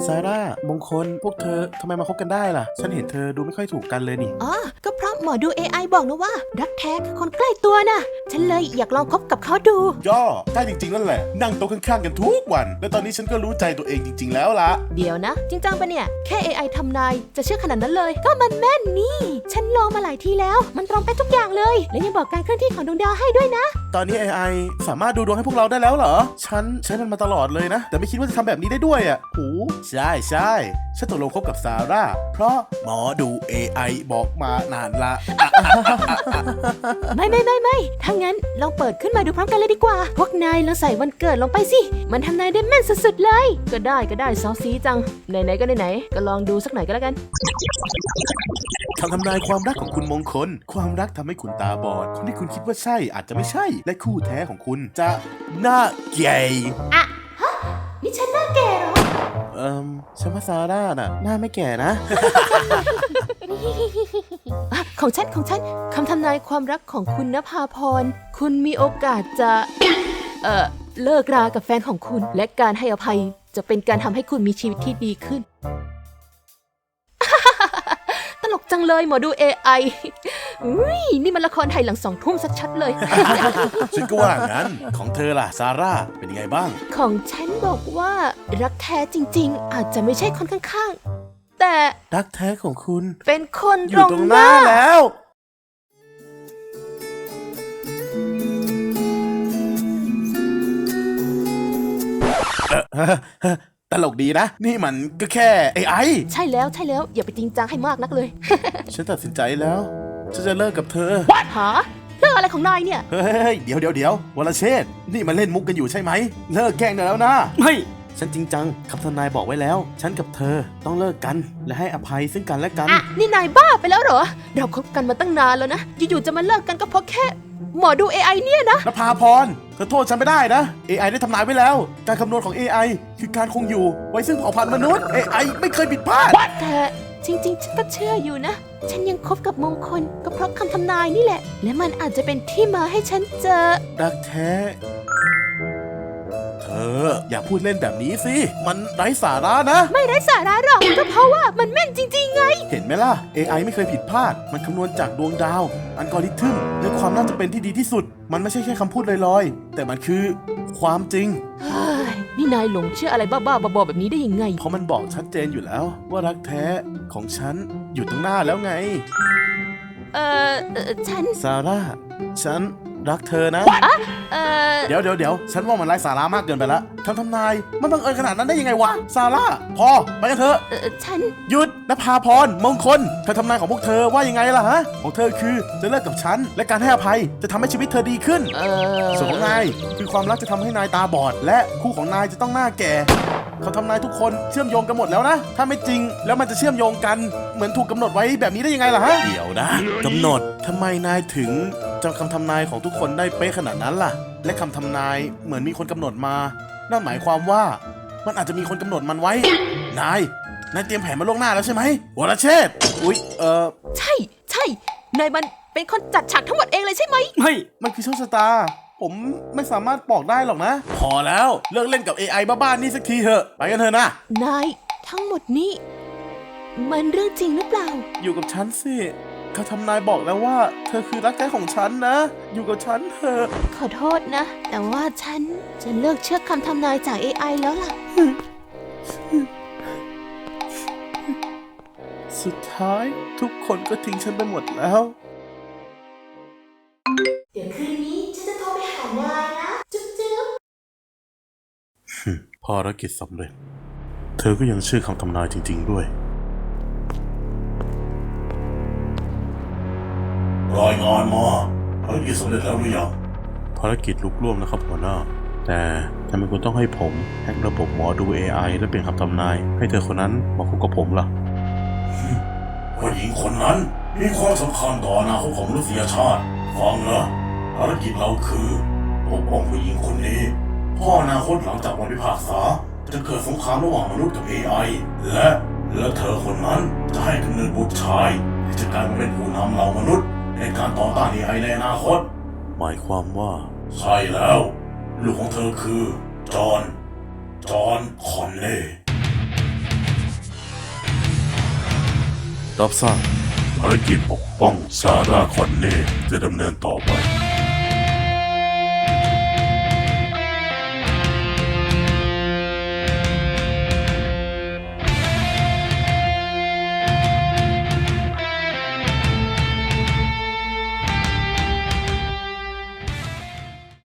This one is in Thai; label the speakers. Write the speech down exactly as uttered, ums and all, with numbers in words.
Speaker 1: ซาร่ามงคลพวกเธอทำไมมาคบกันได้ล่ะฉันเห็นเธอดูไม่ค่อยถูกกันเลยนี่
Speaker 2: อ๋อก็เพราะหมอดู เอ ไอ บอกนะว่ารักแท้คือคนใกล้ตัวนะฉันเลยอยากลองคบกับเขาดู
Speaker 1: ย่อได้จริงๆนั่นแหละนั่งโต๊ะข้างๆกันทุกวันและตอนนี้ฉันก็รู้ใจตัวเองจริงๆแล้วล่ะ
Speaker 2: เดี๋ยวนะจริงจังปะเนี่ยแค่ เอ ไอ ทำนายจะเชื่อขนาดนั้นเลยก็มันแม่นนี่ฉันลองมาหลายทีแล้วมันตรงไปทุกอย่างเลยและยังบอกการเคลื่อนที่ของดวงดาวให้ด้วยนะ
Speaker 1: ตอนนี้ เอ ไอ สามารถดูดวงให้พวกเราได้แล้วเหรอฉันใช้มันมาตลอดเลยนะแต่ไม่คิดว่าจะทำแบบนี้ได้ด้วยอ่ะโหใช่ใช่ฉันตกลงคบกับซาร่าเพราะหมอดู เอ ไอ บอกมานานละ
Speaker 2: ไม่ไม่ไม่ไม่ถ้างั้นลองเปิดขึ้นมาดูพร้อมกันเลยดีกว่าพวกนายลองใส่วันเกิดลงไปสิมันทำนายได้แม่นสุดๆเลยก็ได้ก็ได้ซอซีจังไหนๆก็ไหนๆก็ลองดูสักหน่อยก็แล้วกัน
Speaker 1: คำทำนายความรักของคุณมงคลความรักทำให้คุณตาบอดคนที่คุณคิดว่าใช่อาจจะไม่ใช่และคู่แท้ของคุณจะหน้าแก่
Speaker 2: อะฮะนี่ฉันหน้าแก่เหรอ
Speaker 1: เอ่อฉันว่าซาร่าน่ะหน้าไม่แก่นะ
Speaker 2: ของฉันของฉันคำทำนายความรักของคุณณภาพรคุณมีโอกาสจะเอ่อเลิกรากับแฟนของคุณและการให้อภัยจะเป็นการทำให้คุณมีชีวิตที่ดีขึ้น ตลกจังเลยหมอดู เอ ไอ อุ้ยนี่มันละครไทยหลังสองทุ่มชัดๆเลย
Speaker 1: ฉันก็ว่างั้นของเธอล่ะซาร่าเป็นยังไงบ้าง
Speaker 2: ของฉันบอกว่ารักแท้จริงๆอาจจะไม่ใช่คนข้างๆแต่
Speaker 1: รักแท้ของคุณ
Speaker 2: เป็นคน
Speaker 1: อยู่ตรงหน้าแล้วตลกดีนะนี่มันก็แค่ เอ ไอ
Speaker 2: ใช่แล้วใช่แล้วอย่าไปจริงจังให้มากนักเลย
Speaker 1: ฉันตัดสินใจแล้วฉันจะเลิกกับเธอ
Speaker 2: หาเลิกอะไรของนายเนี่ย
Speaker 1: เฮ้ยเดี๋ยวเดี๋ยวเดี๋ยววรเชษฐ์นี่มันเล่นมุกกันอยู่ใช่ไหมเลิกแกล้งได้แล้วนะไม่ฉันจริงจังคำทำนายบอกไว้แล้วฉันกับเธอต้องเลิกกันและให้อภัยซึ่งกันและกัน
Speaker 2: อ่ะนี่นายบ้าไปแล้วเหรอเราคบกันมาตั้งนานแล้วนะอยู่ๆจะมาเลิกกันก็เพราะแค่หมอดู เอ ไอ เนี่ยนะ
Speaker 1: นภาพรเธอโทษฉันไม่ได้นะ เอ ไอ ได้ทำนายไว้แล้วการคำนวณของ เอ ไอ คือการคงอยู่ไว้ซึ่งเผ่าพันธุ์มนุษย์ เอ ไอ ไม่เคยผิดพลาด
Speaker 2: แต่จริงๆฉันก็เชื่ออยู่นะฉันยังคบกับมงคลก็เพราะคำทำนายนี่แหละและมันอาจจะเป็นที่มาให้ฉันเจอ
Speaker 1: รักแท้เธออย่าพูดเล่นแบบนี้สิมันไร้สาระนะ
Speaker 2: ไม่ไร้สาระหรอกก็เพราะว่ามันแม่นจริงๆไง
Speaker 1: เห็นไหมล่ะ เอ ไอ ไม่เคยผิดพลาดมันคำนวณจากดวงดาวอัลกอริทึมและความน่าจะเป็นที่ดีที่สุดมันไม่ใช่แค่คำพูดลอยๆแต่มันคือความจริง
Speaker 2: นี่นายหลงเชื่ออะไรบ้าๆบอๆแบบนี้ได้ยังไง
Speaker 1: เพราะมันบอกชัดเจนอยู่แล้วว่ารักแท้ของฉันอยู่ตรงหน้าแล้วไง
Speaker 2: เออฉัน
Speaker 1: ซาร่าฉันรักเธอนะ
Speaker 2: เออ
Speaker 1: เดี๋ยวเดี๋ยวเดี๋ยวฉันว่ามันไร้สาระมากเกินไปละคำทำนายมันบังเอิญขนาดนั้นได้ยังไงวะซาร่าพอไปกันเถอะ
Speaker 2: ฉัน
Speaker 1: หยุดนภาพรมงคลคำทำนายของพวกเธอว่ายังไงล่ะฮะของเธอคือจะเลิกกับฉันและการให้อภัยจะทำให้ชีวิตเธอดีขึ้นส่วนของนายคือความรักจะทำให้นายตาบอดและคู่ของนายจะต้องหน้าแก่เขาทำนายทุกคนเชื่อมโยงกันหมดแล้วนะถ้าไม่จริงแล้วมันจะเชื่อมโยงกันเหมือนถูกกำหนดไว้แบบนี้ได้ยังไงล่ะฮะเดี๋ยวนะกำหนดทำไมนายถึงจำคำทำนายของทุกคนได้เป๊ะขนาดนั้นล่ะและคำทำนายเหมือนมีคนกำหนดมานั่นหมายความว่ามันอาจจะมีคนกำหนดมันไว้นายนายเตรียมแผนมาล่วงหน้าแล้วใช่ไหมวรเชษฐ์อุ๊ยเออ
Speaker 2: ใช่ใช่นายมันเป็นคนจัดฉากทั้งหมดเองเลยใช่ไหม
Speaker 1: ไม่มันคือโชคชะตาผมไม่สามารถบอกได้หรอกนะพอแล้วเลิกเล่นกับ เอ ไอ บ้าๆนี่สักทีเถอะไปกันเถอะนะ
Speaker 2: นายทั้งหมดนี้มันเรื่องจริงหรือเปล่า
Speaker 1: อยู่กับฉันสิเขาทำนายบอกแล้วว่าเธอคือรักแท้ของฉันนะอยู่กับฉันเถอะ
Speaker 2: ขอโทษนะแต่ว่าฉันจะเลิกเชื่อคำทำนายจาก เอ ไอ แล้วล่ะ
Speaker 1: สุดท้ายทุกคนก็ทิ้งฉันไปหมดแล้ว
Speaker 2: เดี๋ยวคืนนี้ฉันจะโทรไปหานายนะจุ๊บจุ๊บ
Speaker 1: ภารกิจสำเร็จเธอก็ยังเชื่อคำทำนายจริงๆด้วยรายงานมาภารกิจสำเร็จแล้วหรือยังภารกิจลุกล่วงนะครับหัวหน้าแต่ทำไมคุณต้องให้ผมแฮกระบบหมอดู เอ ไอ และเปลี่ยนคำทำนายให้เธอคนนั้นมาคบกับผมล่ะผู้หญิงคนนั้นมีความสำคัญต่ออนาคตของมนุษยชาติฟังนะภารกิจเราคือปกป้องผู้หญิงคนนี้เพราะอนาคตหลังจากวันพิพากษาจะเกิดสงครามระหว่างมนุษย์กับ เอ ไอ และและเธอคนนั้นจะให้กำเนิดบุตรชายที่จะกลายมาเป็นผู้นำเหล่ามนุษย์ในการต่อต้าน เอ ไอ ในอนาคตหมายความว่าใช่แล้วลูกของเธอคือจอห์นจอห์นคอนเน่รับทราบภารกิจปกป้องซาร่าคอนเน่จะดำเนินต่อไป